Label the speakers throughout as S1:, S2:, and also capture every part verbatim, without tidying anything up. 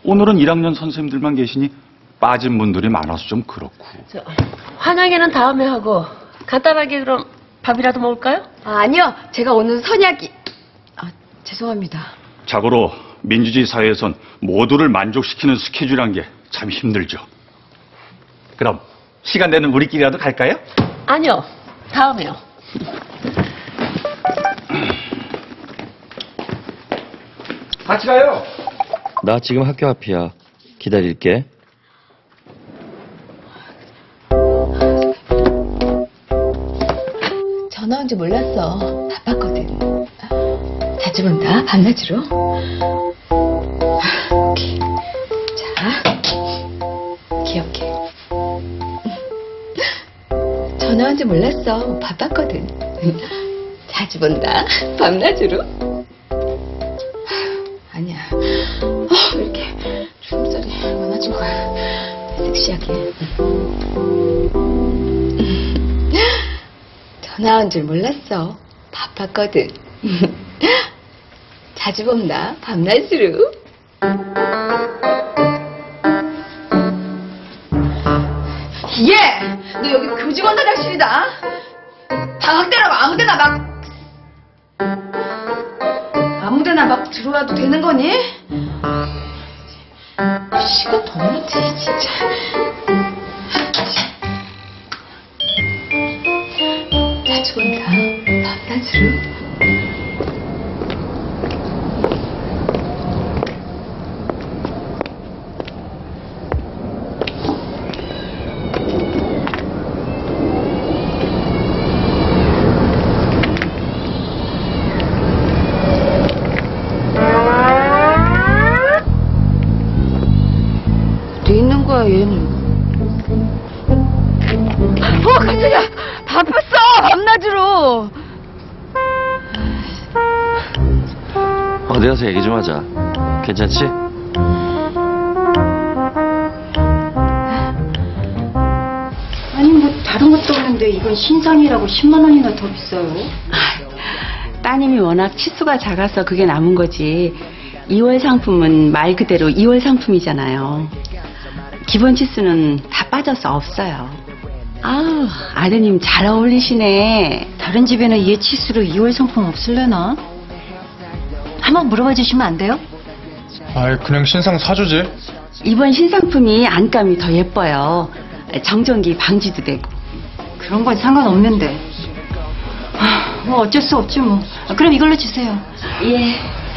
S1: 오늘은 일 학년 선생님들만 계시니 빠진 분들이 많아서 좀 그렇고.
S2: 저, 환영회는 다음에 하고 간단하게 그럼 밥이라도 먹을까요?
S3: 아, 아니요. 제가 오늘 선약이... 아, 죄송합니다.
S1: 자고로 민주주의 사회에선 모두를 만족시키는 스케줄이란 게 참 힘들죠. 그럼 시간 되는 우리끼리라도 갈까요?
S2: 아니요. 다음에요.
S1: 같이 가요.
S4: 나 지금 학교 앞이야. 기다릴게.
S3: 전화 온 줄 몰랐어. 바빴거든. 자주 본다. 밤낮으로. 자, 기억해. 전화 온 줄 몰랐어. 바빴거든. 자주 본다. 밤낮으로. 아니야. 어, 왜 이렇게 주름살이 많아진 거야. 섹시하게. 전화 온 줄 몰랐어. 바빴거든. 자주 본다. 밤낮으로. 예! 너 여기 교직원 화장실이다. 방학때라고 아무데나 막 아무데나 막 들어와도 되는 거니? 시간 더 늦지 진짜. 자주 본다. 밤낮으로. 어디 있는 거야 얘는? 어 깜짝이야. 바빴어. 밤낮으로.
S4: 어디 가서 얘기 좀 하자. 괜찮지?
S5: 아니 뭐 다른 것도 없는데 이건 신상이라고 십만 원이나 더 비싸요.
S6: 따님이 워낙 치수가 작아서 그게 남은 거지. 이월 상품은 말 그대로 이월 상품이잖아요. 기본 치수는 다 빠져서 없어요. 아우, 아드님 잘 어울리시네.
S5: 다른 집에는 얘 치수로 이월 상품 없을래나? 한번 물어봐 주시면 안 돼요?
S7: 아이, 그냥 신상 사주지.
S6: 이번 신상품이 안감이 더 예뻐요. 정전기 방지도 되고.
S5: 그런 건 상관없는데. 아, 뭐 어쩔 수 없지 뭐. 아, 그럼 이걸로 주세요.
S6: 예.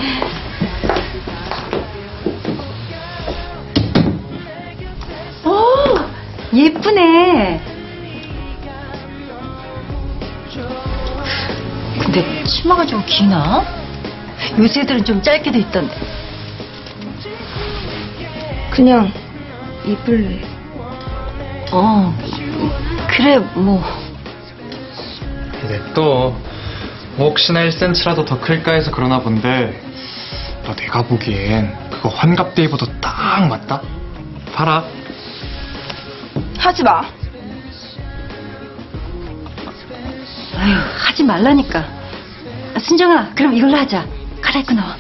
S5: 오, 예쁘네. 근데 치마가 좀 기나? 요새 애들은 좀 짧게 돼 있던데.
S3: 그냥 입을래.
S5: 어, 그래 뭐.
S7: 냅둬. 혹시나 일 센티미터라도 더 클까 해서 그러나 본데, 너 내가 보기엔 그거 환갑 때 입어도 딱 맞다? 팔아.
S3: 하지 마.
S5: 아유, 하지 말라니까. 아, 순정아, 그럼 이걸로 하자. 갈아입고 나와.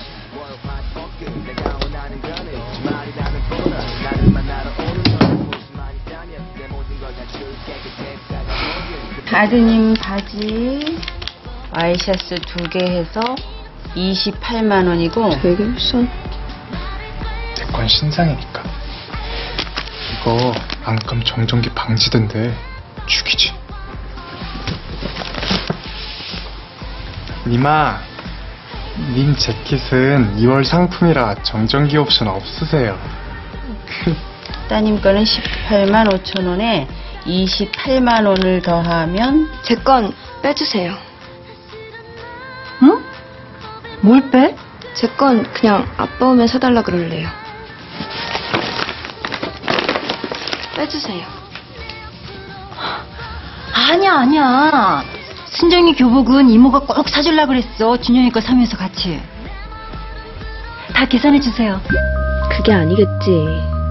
S6: 아드님 바지 와이셔츠 두 개 해서 이십팔만 원이고.
S3: 되게 비싸.
S7: 내 건 신상이니까. 이거 안감 정전기 방지된대. 죽이지. 니마, 님 재킷은 이월 상품이라 정전기 옵션 없으세요.
S6: 따님 거는 십팔만 오천 원에 이십팔만 원을 더하면.
S3: 제 건 빼주세요.
S5: 응? 뭘 빼?
S3: 제 건 그냥 아빠 오면 사달라 그럴래요. 빼주세요.
S5: 아니야, 아니야. 순정이 교복은 이모가 꼭 사주려고 그랬어. 준영이 거 사면서 같이. 다 계산해 주세요.
S3: 그게 아니겠지.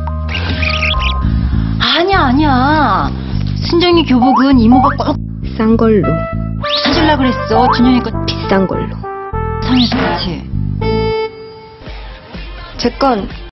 S5: 아니야, 아니야. 순정이 교복은 이모가 꼭
S3: 싼 걸로.
S5: 사주려고 그랬어. 준영이 거
S3: 비싼 걸로.
S5: 사면서 같이.
S3: 제 건